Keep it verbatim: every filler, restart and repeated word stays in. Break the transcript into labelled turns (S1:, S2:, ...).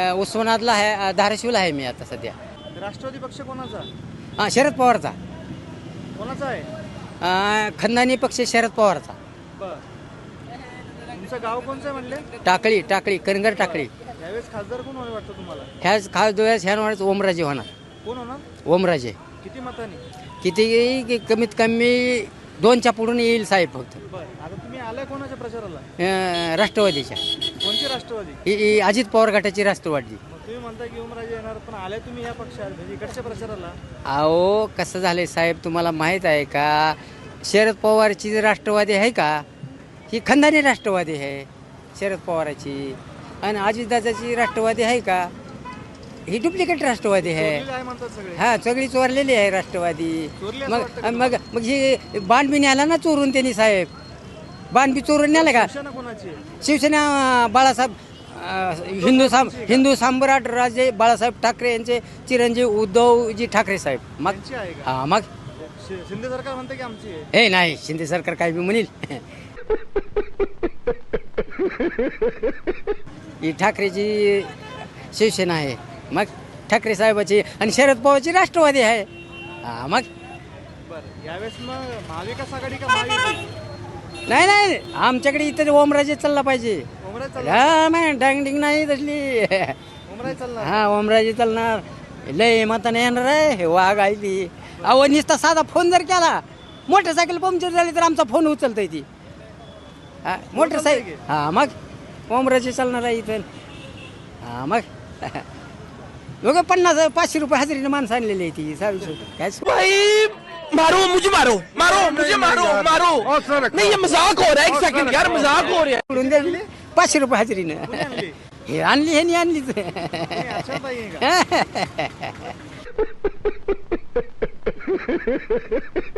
S1: उस्मानाबादला आहे, अ, धाराशिवला आहे मी आता सध्या.
S2: राष्ट्रवादी पक्ष कोणाचा
S1: हां शरद पवारचा.
S2: कोणाचा आहे?
S1: अ, खंदानी पक्ष शरद पवारचा.
S2: बर तुमचं गाव कोणचं आहे म्हणले?
S1: टाकळी टाकळी करंगर टाकळी.
S2: यावेळेस खासदार कोण होईल वाटतं तुम्हाला?
S1: ह्याच खास डोळ्यास ह्या वाढत ओमराजे होणार.
S2: कोण होणार?
S1: ओमराजे
S2: किती मतांनी?
S1: किती की कमीत कमी दोनच्या पुढून येईल साहेब फक्त.
S2: बर आता तुम्ही आलाय कोणाच्या प्रचाराला?
S1: अ, राष्ट्रवादीच्या.
S2: कोणती राष्ट्रवादी?
S1: ही- ही अजित पवार गटाची राष्ट्रवादी.
S2: मग तुम्ही म्हणता की ओमराजे येणार, पण आलाय तुम्ही या पक्षात म्हणजे इकडच्या प्रचाराला.
S1: अहो कसं झालंय साहेब तुम्हाला माहीत आहे का, शरद पवारची जी राष्ट्रवादी आहे का, ही खंदानी राष्ट्रवादी आहे शरद पवाराची. आणि अजितदादाची राष्ट्रवादी आहे का, ही डुप्लिकेट राष्ट्रवादी आहे.
S2: चोरलेलं आहे म्हणतात सगळे.
S1: हा सगळी चोरलेली आहे राष्ट्रवादी.
S2: चोरली असं
S1: मग
S2: वाटतं का
S1: मग मग ही बाण बी न्याला ना चोरून त्यांनी साहेब, बाण बी चोरून न्याला का.
S2: शिवसेना कोणाची आहे?
S1: शिवसेना अं, बाळासाहेब अं, हिंदू साम हिंदू सम्राट राजे बाळासाहेब ठाकरे यांचे चिरंजीव उद्धवजी ठाकरे साहेब. मग
S2: त्यांची आहे का?
S1: हा मग
S2: शि- शिंदे सरकार म्हणते की आमची आहे.
S1: हे नाही शिंदे सरकार काय बी म्हणील. ही ठाकरेची शिवसेना आहे, मग ठाकरे साहेबाची आणि शरद पवारची राष्ट्रवादी आहे. हा मग
S2: बरं यावेळेस मग महाविकास आघाडी का महायुती?
S1: नाही नाही आमच्याकडे इथं ओमराजे चालला पाहिजे.
S2: ओमराजे चालणार?
S1: हा नाही डांगडिंग नाही तसली.
S2: ओमराजे चालणार?
S1: हा ओमराजे चालणार. लय मताने येणार आहे हे वाघ आहे ती. अहो नुसता साधा फोन जर केला, मोटरसायकल पंक्चर झाली तर आमचा फोन उचलतोय ती. हा मोटरसायकल हा मग ओमराजे चालणार आहे इथं. हा मग दोघं पन्नास पाचशे रुपये हजेरीने माणसं आणलेली आहे ती सावी काय.
S3: भाई मारो मुझे मारो मारो मुझे मारो मारो नहीं ये मजाक हो रहा है एक सेकंड यार मजाक हो रहा है
S1: सोडून द्यायची पाचशे रुपये हजेरीनं.
S2: कोणी आणली?
S1: हे आणली हे नाही आणलीच.
S2: कोणी आशाताई आहे का?